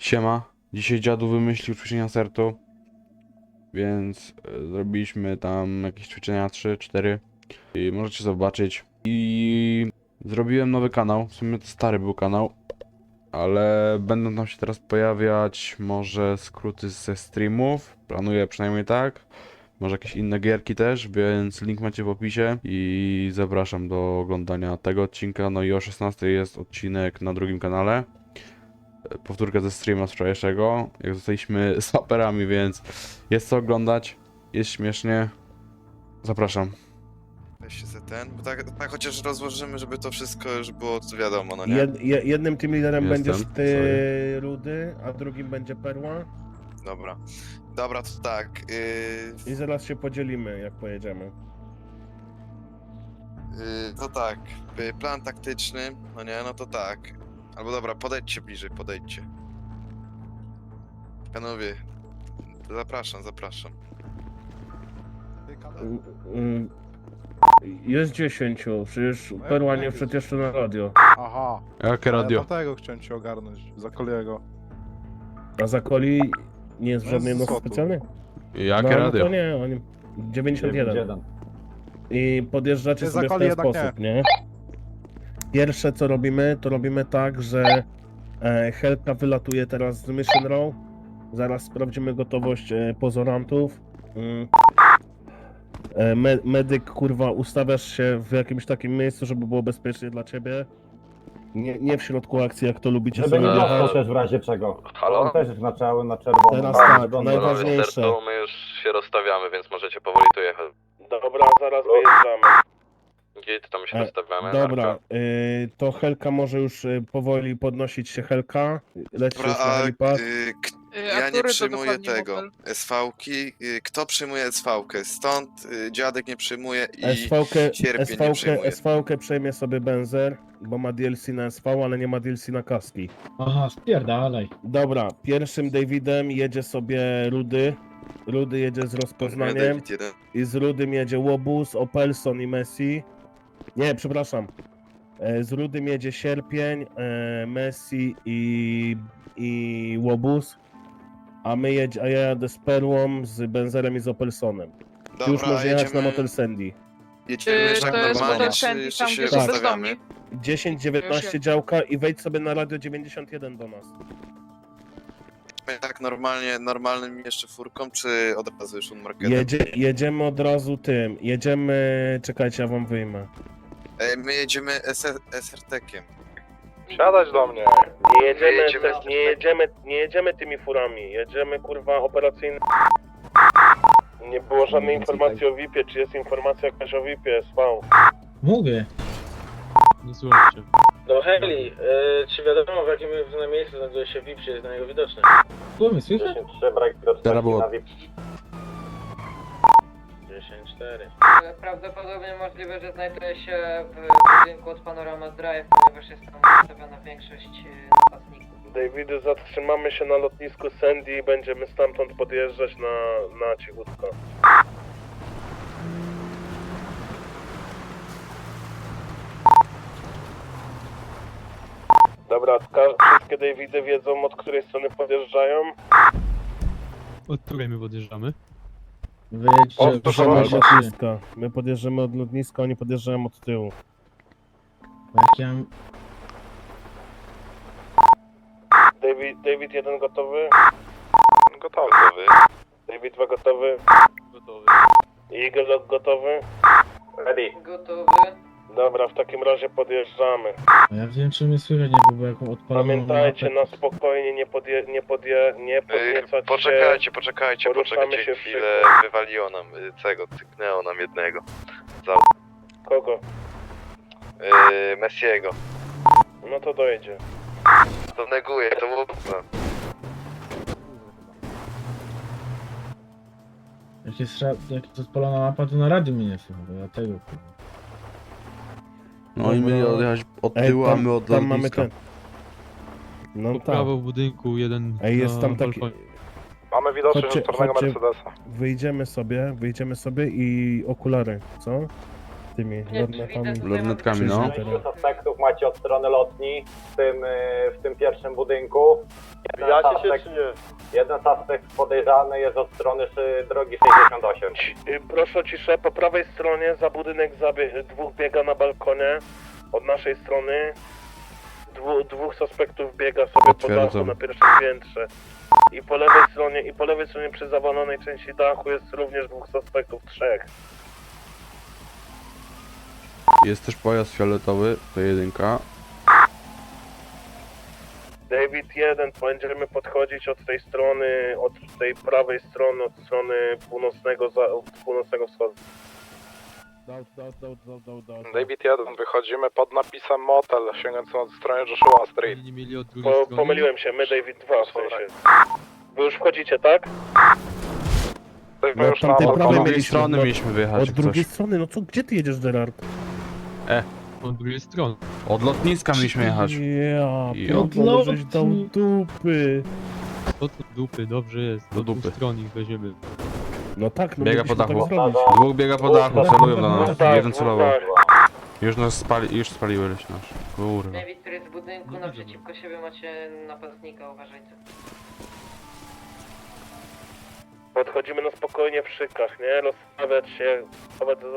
Siema, dzisiaj dziadu wymyślił ćwiczenia sertu, więc zrobiliśmy tam jakieś ćwiczenia 3-4 i możecie zobaczyć. I zrobiłem nowy kanał, w sumie to stary był kanał, ale będą tam się teraz pojawiać może skróty ze streamów, planuję przynajmniej tak, może jakieś inne gierki też, więc link macie w opisie i zapraszam do oglądania tego odcinka. No i o 16 jest odcinek na drugim kanale. Powtórkę ze streama z wczorajszego, jak zostaliśmy saperami, więc jest co oglądać, jest śmiesznie. Zapraszam. Weź się ten, bo tak chociaż rozłożymy, żeby to wszystko już było wiadomo, no nie? Jednym team liderem Jestem, będziesz ty, sorry. Rudy, a drugim będzie Perła. Dobra. Dobra, to tak. I zaraz się podzielimy, jak pojedziemy. To tak. Plan taktyczny, no nie, no to tak. Albo dobra, podejdźcie bliżej, podejdźcie. Panowie, zapraszam. Jest 10, przecież Perła nie wszedł jeszcze na radio. Aha. Jakie A ja radio? tamtego chciałem ci ogarnąć, za Koliego. A za Coli nie jest No, żadnej z nocy Sotu. specjalnej? Jakie No radio? to nie, oni... 91. I podjeżdżacie Nie, sobie w Zakoli ten jednak sposób, nie? Pierwsze co robimy, to robimy tak, że Helka wylatuje teraz z Mission Row. Zaraz sprawdzimy gotowość pozorantów. Medyk, kurwa, ustawiasz się w jakimś takim miejscu, żeby było bezpiecznie dla ciebie. Nie w środku akcji, jak to lubicie Żeby nie sobie dostał jechać. też w razie czego. Halo? On też jest na czerwono. Teraz na tak, czerwono. najważniejsze. Sercu, my już się rozstawiamy, więc możecie powoli tu jechać. Dobra, zaraz wyjeżdżamy. Gdzie tam się E, rozstawiamy? Dobra, Marko? to Helka może już powoli podnosić się Helka. Leci Dobra, już na a helipad. ja nie przyjmuję tego. SV-ki. Kto przyjmuje SV-kę? Stąd dziadek nie przyjmuje i Sierpień nie przyjmuje. SV-kę przejmie sobie Benzer, bo ma DLC na SV, ale nie ma DLC na kaski. Aha, spierdalaj. Dobra, pierwszym Davidem jedzie sobie Rudy. Rudy jedzie z rozpoznaniem. David 1. I z Rudym jedzie Łobuz, Opelson i Messi. Nie, przepraszam. Z Rudym jedzie Sierpień, Messi i Łobuz. A ja jadę z Perłą, z Benzerem i z Opelsonem. Ty już Dobra, może jechać na Motel Sandy. jedziemy tak To jest normalnie, Motel czy Sandy, jeszcze tam, się gdzie są rozstawiamy? bezdomni. 10-19 działka i wejdź sobie na radio 91 do nas. Tak normalnym jeszcze furką, czy od razu już unmarketem? Jedziemy od razu tym. Czekajcie, ja wam wyjmę. My jedziemy SRT-kiem. Siadać do mnie. Nie jedziemy tymi furami. Jedziemy kurwa operacyjny. Nie było żadnej informacji o VIP-ie. Czy jest informacja jakaś o VIP-ie? SV. Mówię. Nie słuchajcie. No Heli, czy wiadomo w jakim miejscu znajduje się VIP, czy jest na niego widoczny? Słuchaj, słychać? 10-3, brak widoczności Teraz było. na VIP. 10-4. Prawdopodobnie możliwe, że znajduje się w budynku od Panorama Drive, ponieważ jest tam ustawiona większość napastników. Davidy, zatrzymamy się na lotnisku Sandy i będziemy stamtąd podjeżdżać na cichutko. Dobra, wszystkie Davidy wiedzą, od której strony podjeżdżają. Od której my podjeżdżamy? Podjeżdżamy od Wyjedźcie. lotniska. My podjeżdżamy od lotniska, oni podjeżdżają od tyłu. Jak ja... David 1 gotowy? Gotowy. David 2 gotowy? Gotowy. Eagle gotowy? Ready. Gotowy. Dobra, w takim razie podjeżdżamy. A ja wiem, czy mnie słychać, nie było jaką odpaloną Pamiętajcie, mapę. na spokojnie, nie podniecać Poczekajcie Poruszamy się chwilę, wywaliło nam cyknęło nam jednego. Kogo? Messiego. No to dojedzie. To neguje, to było... Jak jest odpalona mapa, to na radiu mnie nie słychać, bo ja tego kurwa. No i my odjechać od tyłu, a my od tam mamy lotniska. ten. No Po tak. prawo w budynku, jeden Ej, jest na tam taki... balkonie. Mamy widoczność Chodźcie, od czarnego chodźcie. Mercedesa. Wyjdziemy sobie i okulary, co? tymi Nie, lornetami. widzę, Lornetkami, no. Pięciu suspektów macie od strony lotni w tym pierwszym budynku. Jeden suspekt podejrzany jest od strony drogi 68. Proszę o ciszę, po prawej stronie za budynek dwóch biega na balkonie. Od naszej strony dwóch suspektów biega sobie po Potwierdzam. dachu na pierwszym piętrze. I po lewej stronie przy zawalonej części dachu jest również dwóch suspektów, trzech. Jest też pojazd fioletowy, to jedynka. David 1, będziemy podchodzić od tej strony, od tej prawej strony, od strony północnego wschodu. David 1, wychodzimy pod napisem motel, sięgając od strony Joshua Street. Pomyliłem się, my David 2 w sensie. Wy już wchodzicie, tak? Jesteśmy już na tamtej Od prawej drugiej mieliśmy, strony no. mieliśmy wyjechać, Od jak drugiej coś. strony, no co, gdzie ty jedziesz, Gerard? Od drugiej strony. Od lotniska mieliśmy jechać. Ja, I pierdolę, żeś dał dupy. Od dupy, dobrze jest. Do dupy. Stron ich weźmiemy. No tak, no Biega po mogliśmy dachu. tak zrobić. Dwóch biega po dachu, celują do nas. Tak, Jeden celował. tak. Już nas już spaliły leś nasz. Kurwa. David, który jest w budynku, naprzeciwko siebie macie napastnika, uważajcie. Podchodzimy na spokojnie w szykach, nie? Rozstawiać się, chować za...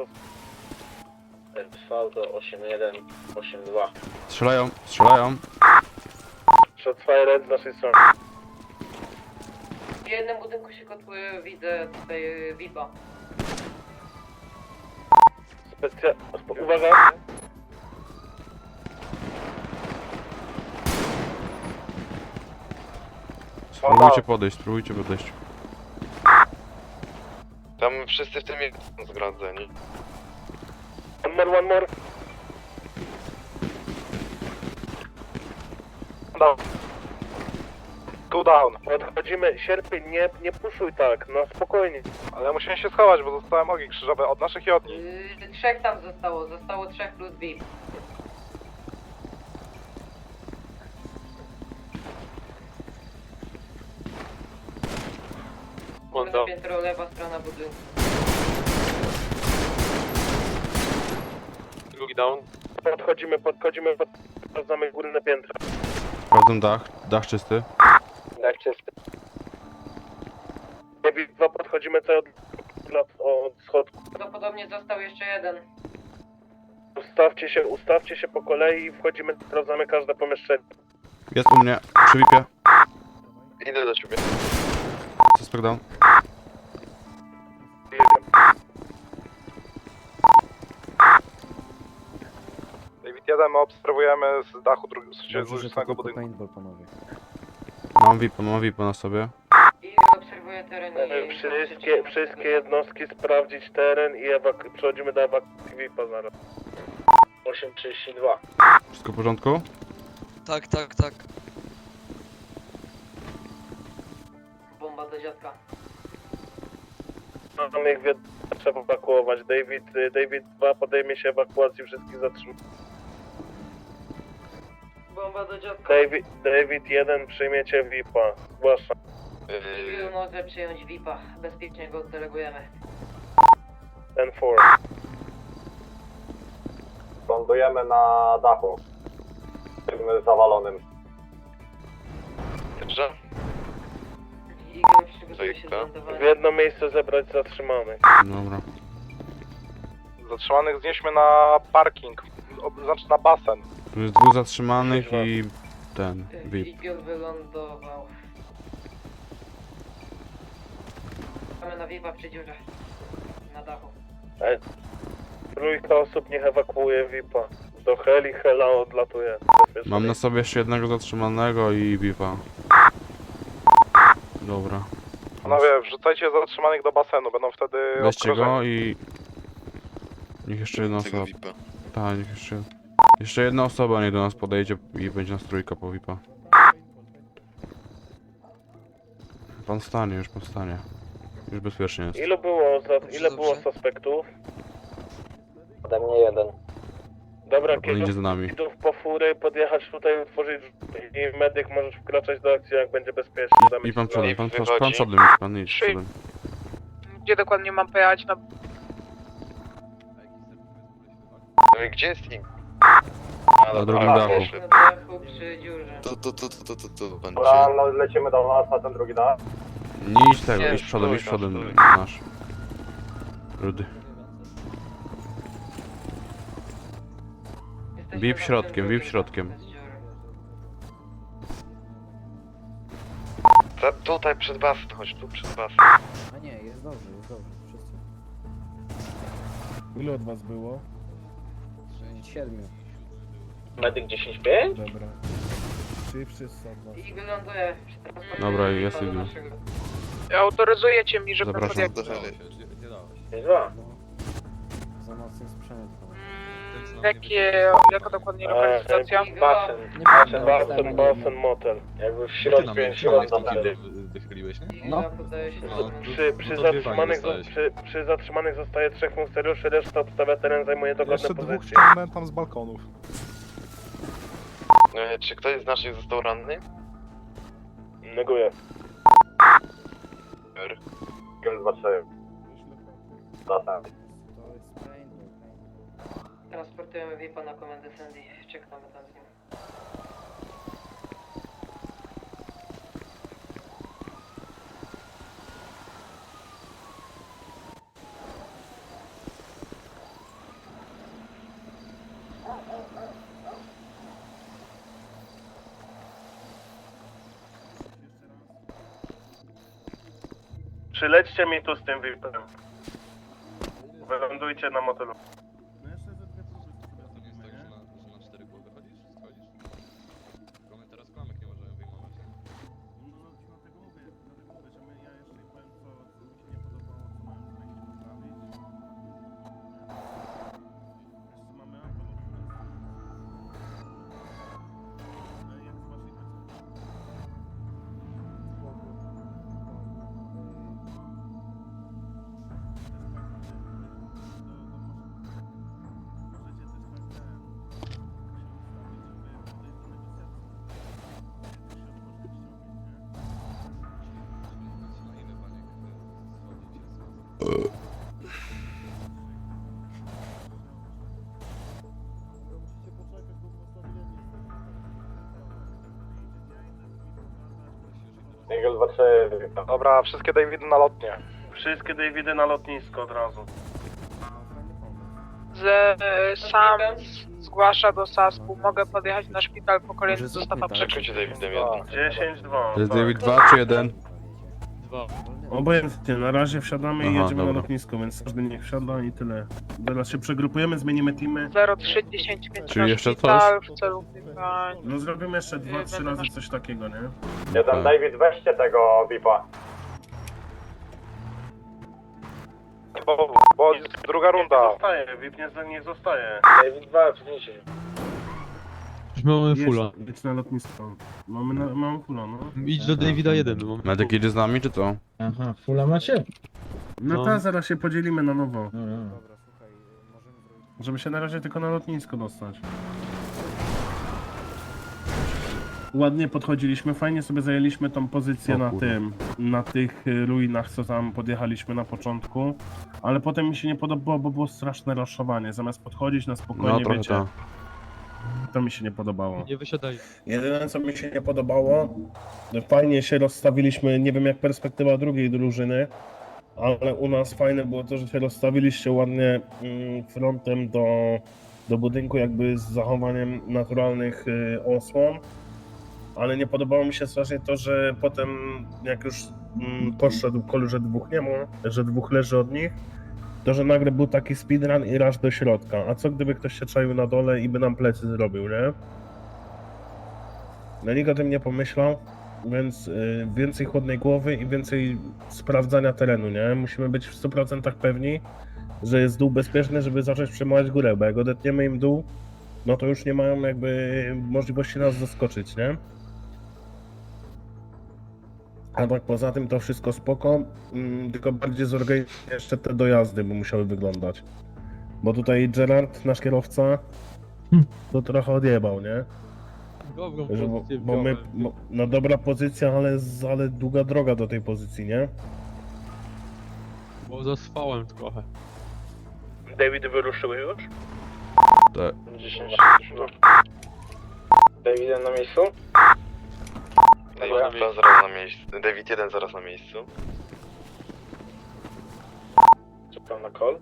SV do 8182. Strzelają, strzelają. Shotsfire z naszej strony. W jednym budynku się kotły, widzę tutaj VIP-a. Uwaga! Spróbujcie podejść, spróbujcie podejść. Tam wszyscy w tym są zgradzeni. One more. Cool down. Podchodzimy, sierpień, nie puszuj tak, no spokojnie. Ale musimy się schować, bo zostałem ogień krzyżowy od naszych i od nich. Trzech tam zostało 3 plus VIP. Drugie piętro, lewa strona budynku. Drugi down. Podchodzimy, sprawdzamy górne piętro. Sprawdzam dach czysty. Tak czysty. David 2, podchodzimy cały od schodku. Prawdopodobnie został jeszcze jeden. Ustawcie się po kolei i wchodzimy, sprawdzamy każde pomieszczenie. Jest u mnie, przy VIP-ie. Idę do ciebie. Suspect down. David 1, my obserwujemy z dachu drugiego budynku. Mam VIP-a na sobie. I obserwuję teren i... Wszystkie jednostki sprawdzić teren i przechodzimy do ewakuacji VIP-a zaraz. 832. Wszystko w porządku? Tak. Bomba do dziadka. Mamy ich trzeba ewakuować. David 2 podejmie się ewakuacji wszystkich zatrzymanych. Bomba do dziadka. David 1 przyjmiecie VIP-a. Zgłaszam. Civil może przyjąć VIP-a. Bezpiecznie go oddelegujemy. 10-4. Lądujemy na dachu. Tym zawalonym. Dobrze? Igor przygotuje się do W W lądowania. jedno miejsce zebrać zatrzymanych. Dobra. Zatrzymanych znieśmy na parking, znaczy na basen. Tu jest dwóch zatrzymanych i ten, VIP. Igor wylądował. Mamy na VIP-a przy dziurze. Na dachu. Trójka osób niech ewakuuje VIP-a. Do Hela odlatuje. Mam na sobie jeszcze jednego zatrzymanego i VIP-a. Dobra. Panowie, wrzucajcie zatrzymanych do basenu, będą wtedy Weźcie obkrożeni. go i... Niech jeszcze jedna Tego osoba... VIP-a. Tak, niech jeszcze... Jeszcze jedna osoba niech do nas podejdzie i będzie nas trójka po VIP-a. Pan stanie, już pan stanie. Już bezpiecznie jest. Ile było suspektów? Ode mnie jeden. Dobra, Pan idzie za nami. kierowców po fury, podjechać tutaj, otworzyć i medyk możesz wkraczać do akcji, jak będzie bezpiecznie. Damy I ci pan znać. przodem, pan wychodzi. przodem idź, pan idź przodem. Gdzie dokładnie mam pojechać? Gdzie jest Ink? Na drugim dachu. Na dachu przy dziurze. To będzie. Dobra, no, lecimy do was na ten drugi dach. Nie idź tego, Nie, idź przodem, idź stój, przodem. stój. Nasz. Rudy. Jesteśmy Bip na środkiem, tym bip drugim środkiem. dachu bez dziury. Tutaj przed basen, chodź tu przed basen. A nie, jest dobrze, wszyscy. Ile od was było? 7. Medyk 10-5? Dobra. Czyli wszyscy od was? I wyląduje przy transporcie Dobra, jest do Igor. naszego. Autoryzujecie mi, żeby Zapraszam. Do heli. 5-2. Za mocny sprzęt. Jaka dokładnie lokalizacja? Basen. Basen, motel. Jakby w środku Wychyliłeś, nie? I No. podaje się No, Przy zatrzymanych zostaje 3 funkcjonariuszy, reszta obstawia teren, zajmuje dogodne Jeszcze pozycje. dwóch ściągnąłem tam z balkonów. Czy ktoś z naszych został ranny? Neguję. Eagle 2-3. Zatem. Transportujemy VIP-a na komendę Sandy. Czekamy tam z nim. Przylećcie mi tu z tym VIP-em. Wylądujcie na motelu. Eagle 2-3. Dobra, wszystkie Davidy na lotnie. Wszystkie Davidy na lotnisko od razu. Sam zgłasza do SASP-u. Mogę podjechać na szpital po kolejny Może zestaw zróbmy tak. Przekryjcie Davidem jeden. 10-2. To jest David 2 czy 1? Obojętnie, na razie wsiadamy i Aha, jedziemy dobra. na lotnisko, więc każdy niech wsiada i tyle. Teraz się przegrupujemy, zmienimy teamy. 03-10-5 Czyli jeszcze coś? w celu wykrywania. No zrobimy jeszcze 2-3 razy coś takiego, nie? Jeden David, weźcie tego VIP-a. Bo druga runda. Zostaje, VIP nie zostaje. David 2, przyjmijcie. Mamy fulla. Jedź na lotnisko. Mamy fulla, no. Idź do Davida 1. Mamy Medyk jedzie z nami, czy co? Aha, fulla macie? No No. tak, zaraz się podzielimy na nowo. Dobra. Dobra, słuchaj, możemy zrobić... Żeby się na razie tylko na lotnisko dostać. Ładnie podchodziliśmy, fajnie sobie zajęliśmy tą pozycję O na kurwa. tym, na tych ruinach, co tam podjechaliśmy na początku, ale potem mi się nie podobało, bo było straszne raszowanie. Zamiast podchodzić na spokojnie, No trochę wiecie, tak. to mi się nie podobało. Nie wysiadaj. Jedyne co mi się nie podobało, fajnie się rozstawiliśmy, nie wiem jak perspektywa drugiej drużyny, ale u nas fajne było to, że się rozstawiliście ładnie frontem do budynku, jakby z zachowaniem naturalnych osłon, ale nie podobało mi się strasznie to, że potem jak już poszedł kolu, że dwóch nie ma, że dwóch leży od nich, to że nagle był taki speedrun i rush do środka, a co gdyby ktoś się czaił na dole i by nam plecy zrobił, nie? No nikt o tym nie pomyślał, więc więcej chłodnej głowy i więcej sprawdzania terenu, nie? Musimy być w 100% pewni, że jest dół bezpieczny, żeby zacząć przejmować górę, bo jak odetniemy im dół, no to już nie mają jakby możliwości nas zaskoczyć, nie? A tak poza tym to wszystko spoko, tylko bardziej zorganizować jeszcze te dojazdy, by musiały wyglądać. Bo tutaj Gerard, nasz kierowca, to trochę odjebał, nie? Dobrą Że, pozycję bo my, wziąłem. no dobra pozycja, ale długa droga do tej pozycji, nie? Bo zaspałem trochę. David wyruszyły już? Tak. 10. David na miejscu? David 2 zaraz na miejscu. David 1 zaraz na miejscu. Czekam na call.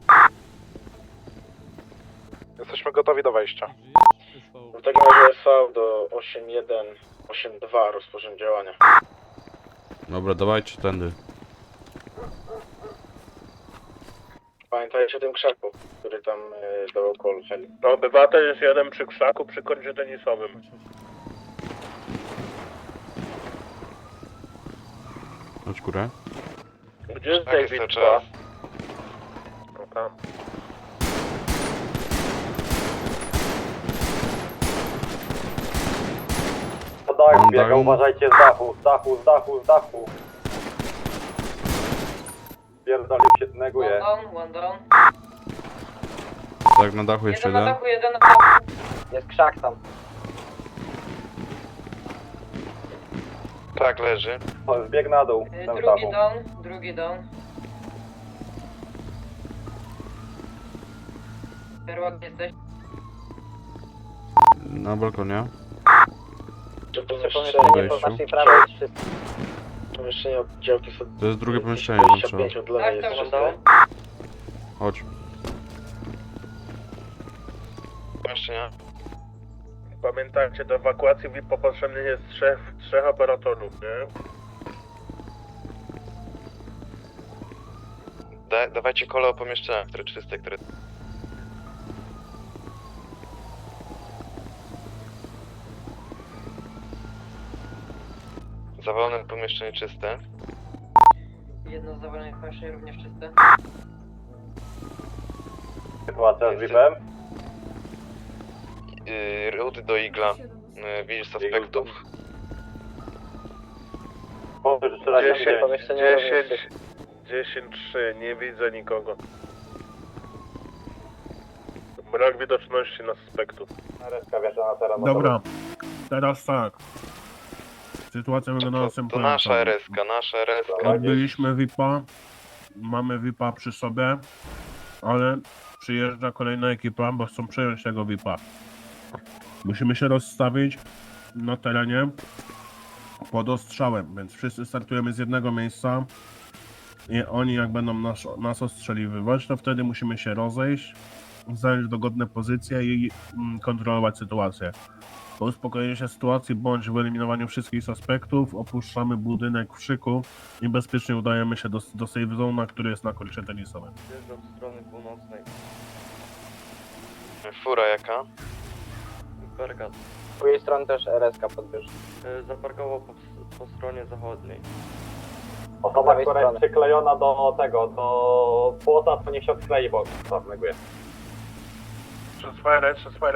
Jesteśmy gotowi do wejścia. W takim razie SV do 8182 rozpoczęcie działania. Dobra, dawajcie tędy. Pamiętajcie o tym krzaku, który tam dawał call heli. No, obywatel jest jeden przy krzaku, przy kącie tenisowym. Chodź górę. Gdzie jest Tak, jest David to 2? czas. No tam. To dach Mam biega, dach. uważajcie z dachu, z dachu. Pierdolił się, neguje. One down. Tak, na dachu jeszcze Jeden na jeden. dachu, jeden na dachu. Jest krzak tam. Tak, leży. O, zbieg na dół, tam z dachu. Drugi down. Perłak jesteś? Na balkonie. Czy pomieszczenie po naszej prawej jest wszystko. Pomieszczenie oddziałki są To jest drugie pomieszczenie, no trzeba. 25 od lewej Tak, jest tak, czyste. Chodź. Pomieszczenia. Pamiętajcie, do ewakuacji VIP potrzebnych jest trzech operatorów, nie? Dawajcie kole o pomieszczeniach, które czyste, które... Zawalone pomieszczenie czyste. Jedno z zawalonych pomieszczeń również czyste. Sytuacja z VIP-em. Rudy do igla. Widzisz suspektów. Powtórz jeszcze raz, 10-3, nie widzę nikogo. Brak widoczności na suspektów. Reska wjeżdża na teren. Dobra, teraz tak. Sytuacja wygląda To następująco. nasza RS-ka, nasza RS-ka. Odbyliśmy VIP-a, mamy VIP-a przy sobie, ale przyjeżdża kolejna ekipa, bo chcą przejąć tego VIP-a. Musimy się rozstawić na terenie pod ostrzałem, więc wszyscy startujemy z jednego miejsca i oni jak będą nas ostrzeliwywać, to wtedy musimy się rozejść, zająć dogodne pozycje i kontrolować sytuację. Po uspokojeniu się sytuacji bądź wyeliminowaniu wszystkich suspektów opuszczamy budynek w szyku i bezpiecznie udajemy się do safe zone'a, który jest na korcie tenisowym. Zjeżdżam od strony północnej. Fura jaka? Bergat. Z drugiej strony też RSK podbierz. Zaparkował po stronie zachodniej. Osoba, która jest przyklejona do tego, do płota, to niech się odklei, bo neguje. Przez fire.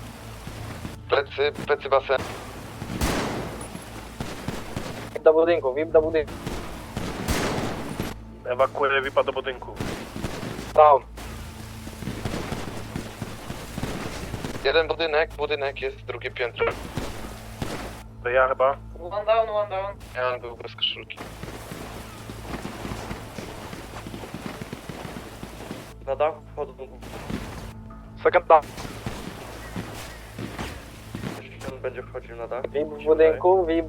Plecy basen. VIP do budynku. Ewakuuję VIP-a do budynku. Down. Jeden budynek jest drugie piętro. To ja chyba. One down. Ja był bez koszulki. Na dach wchodzą. Second down. On będzie wchodził na dach. VIP w budynku. VIP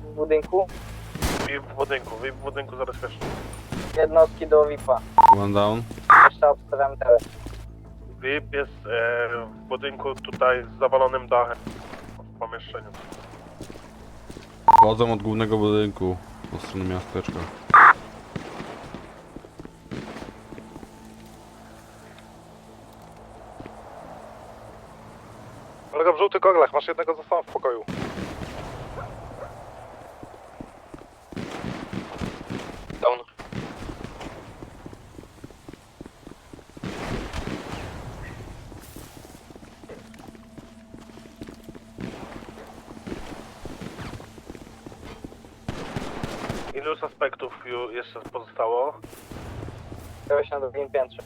w budynku zabezpieczony. Jednostki do VIP-a. One down. Jeszcze obstawiamy teren. VIP jest w budynku tutaj z zawalonym dachem w pomieszczeniu. Wchodzą od głównego budynku po stronę miasteczka. Kolega w żółtych goglach, masz jednego została w pokoju. Down. Ilu suspektów jeszcze pozostało? Kogoś na drugim piętrze.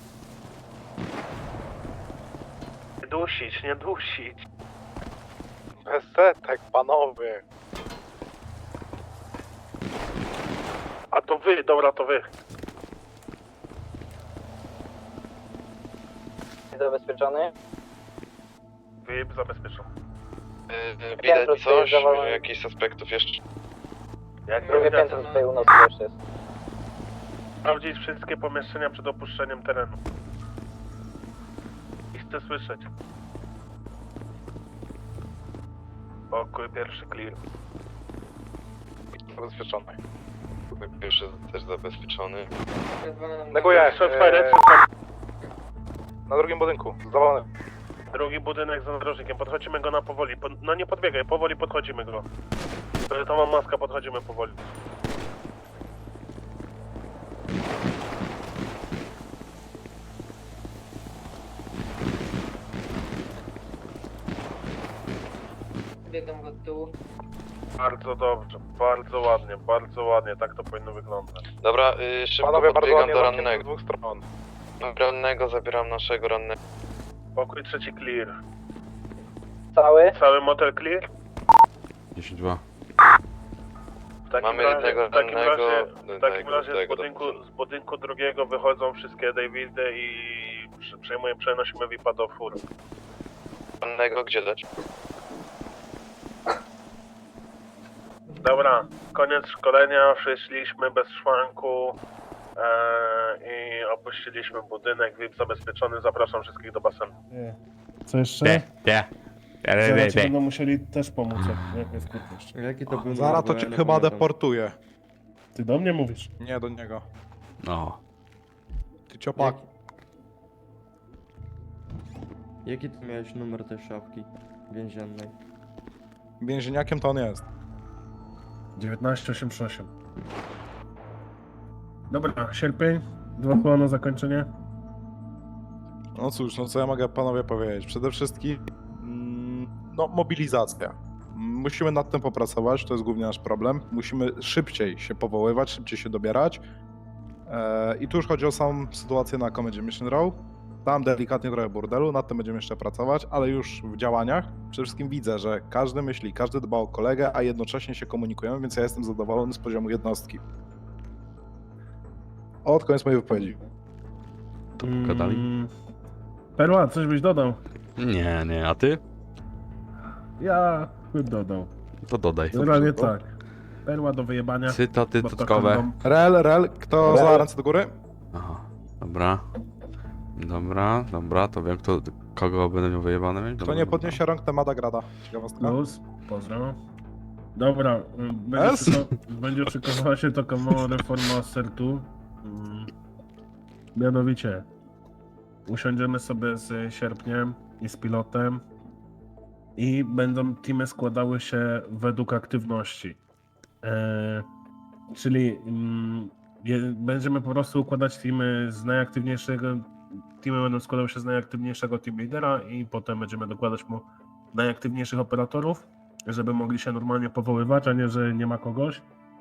Nie dusić. Bez setek, panowie. A to wy, dobra, to wy. Zabezpieczony. VIP zabezpieczam. Widać coś, jakichś suspektów jeszcze. Jak Drugie piętro tutaj u nas też jest. sprawdzić wszystkie pomieszczenia przed opuszczeniem terenu. I chcę słyszeć. Pokój pierwszy clear. Zabezpieczony. Pierwszy też zabezpieczony. Neguję. Shotfire, Na drugim budynku. Zawalony. drugi budynek za narożnikiem, podchodzimy go na powoli. No nie podbiegaj, powoli podchodzimy go. To mam maska, podchodzimy powoli. Biegam go od tyłu. Bardzo dobrze, bardzo ładnie, tak to powinno wyglądać. Dobra, szybko Panowie, bardzo podbiegam ładnie do zamknięte z rannego. dwóch stron. Rannego, zabieram naszego rannego. Pokój trzeci clear. Cały? Cały motel clear? 10-2. W takim Mamy razie, jednego w takim rannego, razie, w takim razie tego z budynku drugiego wychodzą wszystkie Davidy i przenosimy VIPa do fur. Rannego gdzie dać? Dobra, koniec szkolenia, wyszliśmy bez szwanku i opuściliśmy budynek, VIP zabezpieczony, zapraszam wszystkich do basenu. Co jeszcze? Zaraz ci będą musieli też pomóc, jak mnie skutniesz. Jaki to był Zaraz to cię chyba deportuję. Ty do mnie mówisz? Nie do niego. No. Ty ciopak. Jaki ty miałeś numer tej szafki więziennej? Więzieniakiem to on jest. 1988. Dobra, sierpień, 2 koła na zakończenie. No cóż, no co ja mogę panowie powiedzieć? Przede wszystkim, no mobilizacja. Musimy nad tym popracować, to jest głównie nasz problem. Musimy szybciej się powoływać, szybciej się dobierać. I tu już chodzi o samą sytuację na Comedy Mission Row. Tam delikatnie trochę burdelu, nad tym będziemy jeszcze pracować, ale już w działaniach przede wszystkim widzę, że każdy myśli, każdy dba o kolegę, a jednocześnie się komunikujemy, więc ja jestem zadowolony z poziomu jednostki. Od koniec mojej wypowiedzi. To pogadali? Perła, coś byś dodał? Nie, a ty? Ja bym dodał. To dodaj. Generalnie tak. Perła do wyjebania. Cytaty bo to cytkowe. kondom. Rel, kto za ręce do góry? Aha, dobra. Dobra, to wiem kogo będę miał wyjebane mieć. Kto Dobra, nie dobra. podniesie rąk, ten ma grada. Ciekawostka. Plus, pozdro. Dobra, S? będzie szykowała się taka mała reforma sertu. Mianowicie, usiądziemy sobie z Sierpniem i z pilotem i będą teamy składały się według aktywności. Czyli będziemy po prostu układać teamy z najaktywniejszego. Teamy będą składały się z najaktywniejszego team lidera i potem będziemy dokładać mu najaktywniejszych operatorów, żeby mogli się normalnie powoływać, a nie, że nie ma kogoś.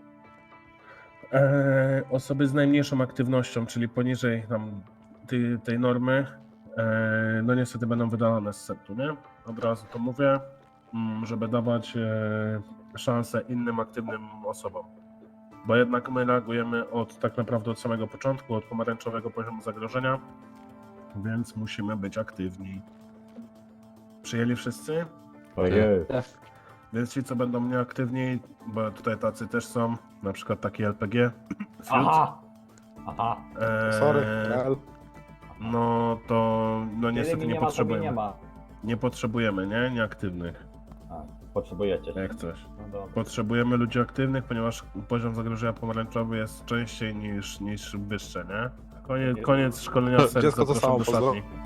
Osoby z najmniejszą aktywnością, czyli poniżej tam tej normy, no niestety będą wydalane z setu, nie? Od razu to mówię, żeby dawać szansę innym aktywnym osobom. Bo jednak my reagujemy tak naprawdę od samego początku, od pomarańczowego poziomu zagrożenia, więc musimy być aktywni. Przyjęli wszyscy? Ojej. Więc ci, co będą nieaktywni, bo tutaj tacy też są, na przykład taki LPG. Aha! Sorry, Rel. No to niestety nie potrzebujemy. Nie ma. Nie potrzebujemy, nie? Nieaktywnych, Potrzebujecie. jak coś. No dobra. Potrzebujemy ludzi aktywnych, ponieważ poziom zagrożenia pomarańczowy jest częściej niż wyższy, nie? Koniec szkolenia serc, Dziecko to zapraszam samo, do pozdro. szatni.